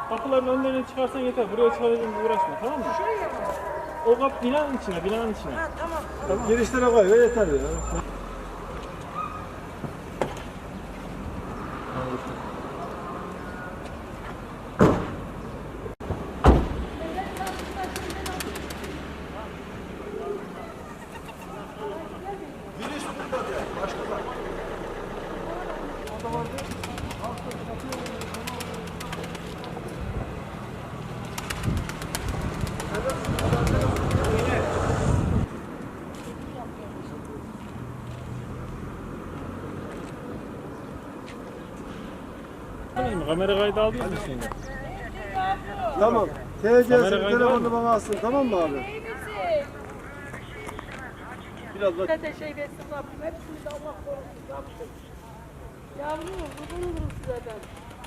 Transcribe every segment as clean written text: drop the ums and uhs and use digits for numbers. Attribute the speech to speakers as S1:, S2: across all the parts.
S1: Kapıların önlerine çıkarsan yeter. Buraya çıkaracağım uğraşma, tamam mı?
S2: Şuraya mı?
S1: O kapı binanın içine, binanın içine.
S2: Ha tamam.
S3: Tamam. Girişlere koy ve yeter ya. Giriş burada diye. Başka da. O da vardı.
S1: Kamera kaydı aldın mı şimdi?
S3: Tamam. TC'si telefonu bana alsın, tamam mı abi? Biraz bak.
S2: Ne şey versin Rabbim. Hepsini de Allah korusun Rabbim. Yavrum kurban olurum size ben.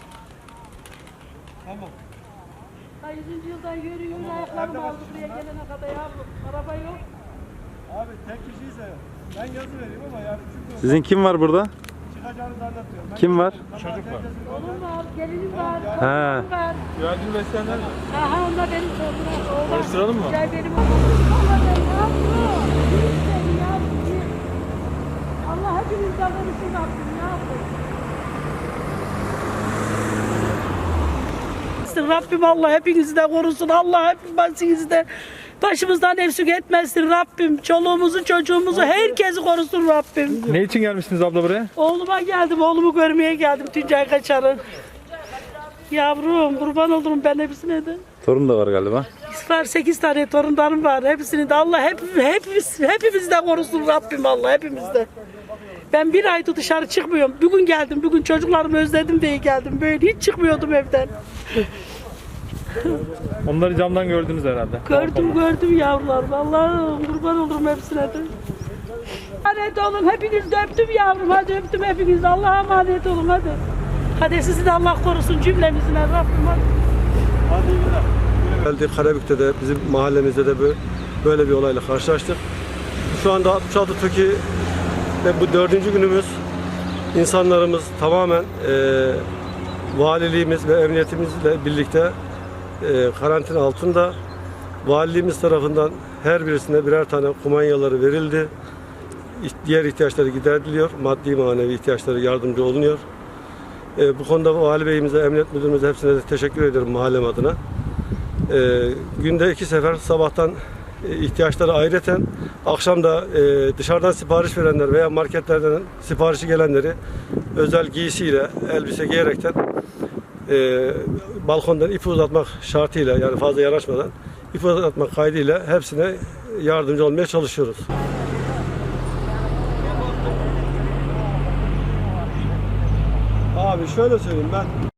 S3: Tamam.
S2: Ha 100. yıldan yürü ayaklarım aldı buraya gelene kadar yavrum. Araba yok.
S3: Abi tek kişiyse ben yazı vereyim ama yani çünkü
S4: Sizin kim var burada?
S3: çıkacağını zannetmiyorum.
S4: Kim var?
S1: Çocuk var.
S2: Oğlum var, gelinim var,
S4: He.
S2: torunum var.
S1: Yardım besleyenler mi?
S2: Aha onlar benim torunum. Oğlan.
S1: Karıştıralım mı?
S2: Gel benim oğlum. Allah ben yavrum. Yürü seni yavrum. Allah hepinizden korusun Rabbim yavrum. Rabbim Allah hepinizi de korusun. Allah hepinizi de başımızdan eksik etmesin Rabbim. Çoluğumuzu, çocuğumuzu, herkesi korusun Rabbim.
S1: Ne için gelmişsiniz abla buraya?
S2: Oğluma geldim, oğlumu görmeye geldim Tuncay Kaçar'ın. Yavrum, kurban olurum ben hepsine de.
S4: Torun da var galiba.
S2: Var 8 tane torunlarım var. Hepsini de Allah hepimizi de korusun Rabbim Allah hepimizde. Ben bir aydır dışarı çıkmıyorum. Bugün geldim, bugün çocuklarımı özledim diye geldim. Böyle hiç çıkmıyordum evden.
S1: Onları camdan gördünüz herhalde.
S2: Gördüm yavrularım. Allah'ım kurban olurum hepsine de. Emanet olun. Hepinizi de öptüm yavrum. Hadi öptüm hepinizi. Allah'a emanet olun hadi. Hadi sizi de Allah korusun cümlemizin Rabbim hadi.
S3: Hadi iyi günler. Geldik Karabük'te de bizim mahallemizde de böyle bir olayla karşılaştık. Şu anda 66 TOKİ ve bu 4. günümüz insanlarımız tamamen valiliğimiz ve emniyetimizle birlikte karantina altında. Valiliğimiz tarafından her birisine birer tane kumanyaları verildi. Diğer ihtiyaçları gideriliyor. Maddi manevi ihtiyaçları yardımcı olunuyor. Bu konuda Vali Bey'imize, Emniyet Müdürümüze hepsine de teşekkür ederim mahallem adına. Günde 2 sefer sabahtan ihtiyaçları ayrıten, akşam da dışarıdan sipariş verenler veya marketlerden siparişi gelenleri özel giysiyle, elbise giyerekten balkondan ipi uzatmak şartıyla, yani fazla yanaşmadan ipi uzatmak kaydıyla hepsine yardımcı olmaya çalışıyoruz. Abi şöyle söyleyeyim ben.